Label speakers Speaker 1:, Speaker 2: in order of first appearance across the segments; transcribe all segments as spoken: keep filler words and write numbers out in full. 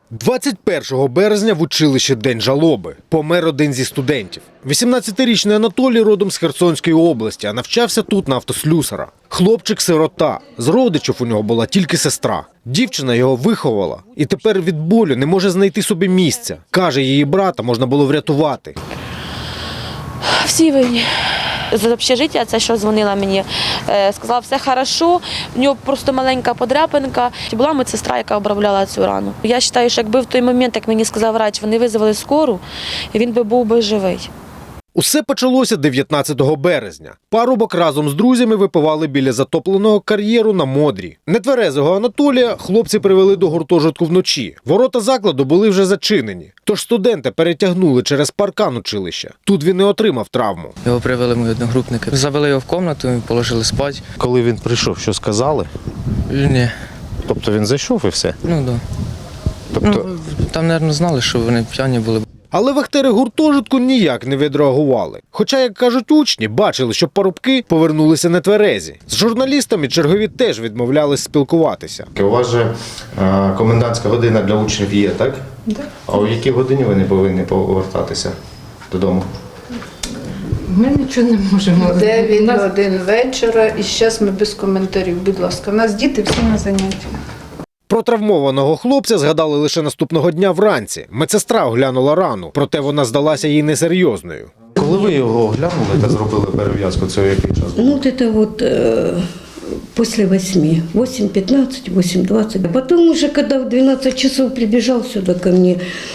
Speaker 1: двадцять першого березня в училищі День жалоби. Помер один зі студентів. вісімнадцятирічний Анатолій родом з Херсонської області, а навчався тут на автослюсара. Хлопчик-сирота. З родичів у нього була тільки сестра. Дівчина його виховала і тепер від болю не може знайти собі місця. Каже, її брата можна було врятувати.
Speaker 2: Всі винні. З общежиття, це що дзвонила мені, сказала, все добре, в нього просто маленька подряпинка. Була медсестра, яка обробляла цю рану. Я вважаю, що якби в той момент, як мені сказав врач, вони визвали скору, він би був би живий.
Speaker 1: Усе почалося дев'ятнадцятого березня. Парубок разом з друзями випивали біля затопленого кар'єру на Модрі. Нетверезого Анатолія хлопці привели до гуртожитку вночі. Ворота закладу були вже зачинені. Тож студента перетягнули через паркан училища. Тут він і отримав травму.
Speaker 3: Його привели мої одногрупники. Завели його в кімнату, положили спати.
Speaker 1: Коли він прийшов, що сказали?
Speaker 3: Ні.
Speaker 1: Тобто він зайшов і все?
Speaker 3: Ну, так. Да.
Speaker 1: Тобто...
Speaker 3: Ну, там, мабуть, знали, що вони п'яні були.
Speaker 1: Але вахтери гуртожитку ніяк не відреагували. Хоча, як кажуть учні, бачили, що парубки повернулися нетверезі. З журналістами чергові теж відмовлялись спілкуватися.
Speaker 4: У вас же а, комендантська година для учнів є, так?
Speaker 5: Так.
Speaker 4: А у якій годині ви не повинні повертатися додому?
Speaker 5: Ми нічого не можемо.
Speaker 6: дев'ять годин вечора і зараз ми без коментарів, будь ласка. У нас діти всі на заняттях.
Speaker 1: Про травмованого хлопця згадали лише наступного дня вранці. Медсестра оглянула рану, проте вона здалася їй несерйозною.
Speaker 4: Коли ви його оглянули та зробили перев'язку, це який час?
Speaker 7: Ну, вот это вот э, после восьми, восемь пятнадцать, восемь двадцать. Потом уже, когда в двенадцать часов прибежал сюда ко мне,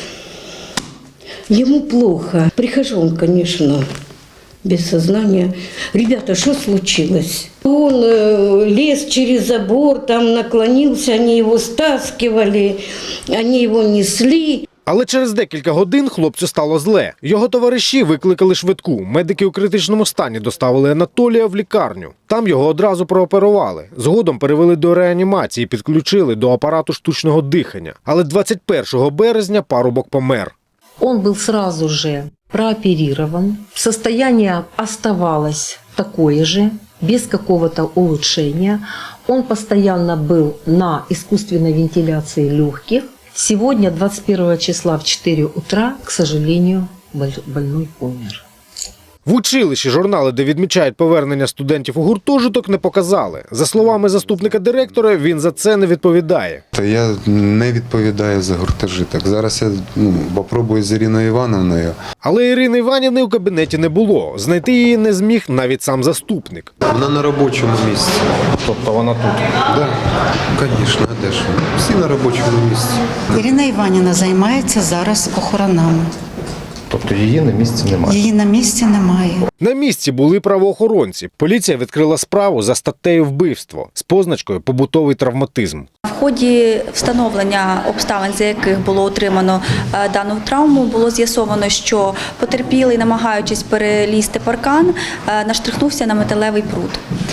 Speaker 7: ему плохо. Прихожу, он, конечно, без сознания. Ребята, что случилось? Он э, лез через забор, там наклонился, они его стаскивали, они его несли.
Speaker 1: Але через декілька годин хлопцю стало зле. Його товариші викликали швидку. Медики у критичному стані доставили Анатолія в лікарню. Там його одразу прооперували. Згодом перевели до реанімації, підключили до апарату штучного дихання. Але двадцять першого березня парубок помер.
Speaker 8: Он был сразу же прооперирован. Состояние оставалось такое же, без какого-то улучшения. Он постоянно был на искусственной вентиляции легких. Сегодня, двадцать первого числа в четыре утра, к сожалению, больной умер.
Speaker 1: В училищі журнали, де відмічають повернення студентів у гуртожиток, не показали. За словами заступника директора, він за це не відповідає.
Speaker 9: Та я не відповідаю за гуртожиток. Зараз я ну, попробую з Іриною Івановною.
Speaker 1: Але Ірини Іванівни у кабінеті не було. Знайти її не зміг навіть сам заступник.
Speaker 9: Вона на робочому місці.
Speaker 1: Тобто вона тут?
Speaker 9: Так, да, звісно, а де ж вона? Всі на робочому місці.
Speaker 10: Ірина Іванівна займається зараз похоронами.
Speaker 4: Тобто її на місці немає?
Speaker 10: Її на місці немає.
Speaker 1: На місці були правоохоронці. Поліція відкрила справу за статтею вбивство з позначкою «побутовий травматизм».
Speaker 11: В ході встановлення обставин, за яких було отримано дану травму, було з'ясовано, що потерпілий, намагаючись перелізти паркан, наштрихнувся на металевий прут.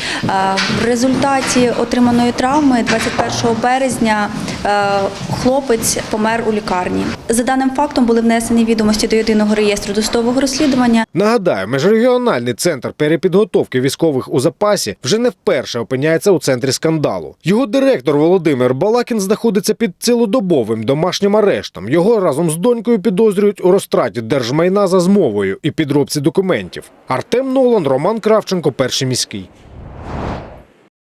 Speaker 11: В результаті отриманої травми двадцять першого березня хлопець помер у лікарні. За даним фактом були внесені відомості до єдиного реєстру досудового розслідування.
Speaker 1: Нагадаю, міжрегіональний центр перепідготовки військових у запасі вже не вперше опиняється у центрі скандалу. Його директор Володимир Балакін знаходиться під цілодобовим домашнім арештом. Його разом з донькою підозрюють у розтраті держмайна за змовою і підробці документів. Артем Нолан, Роман Кравченко, Перший міський.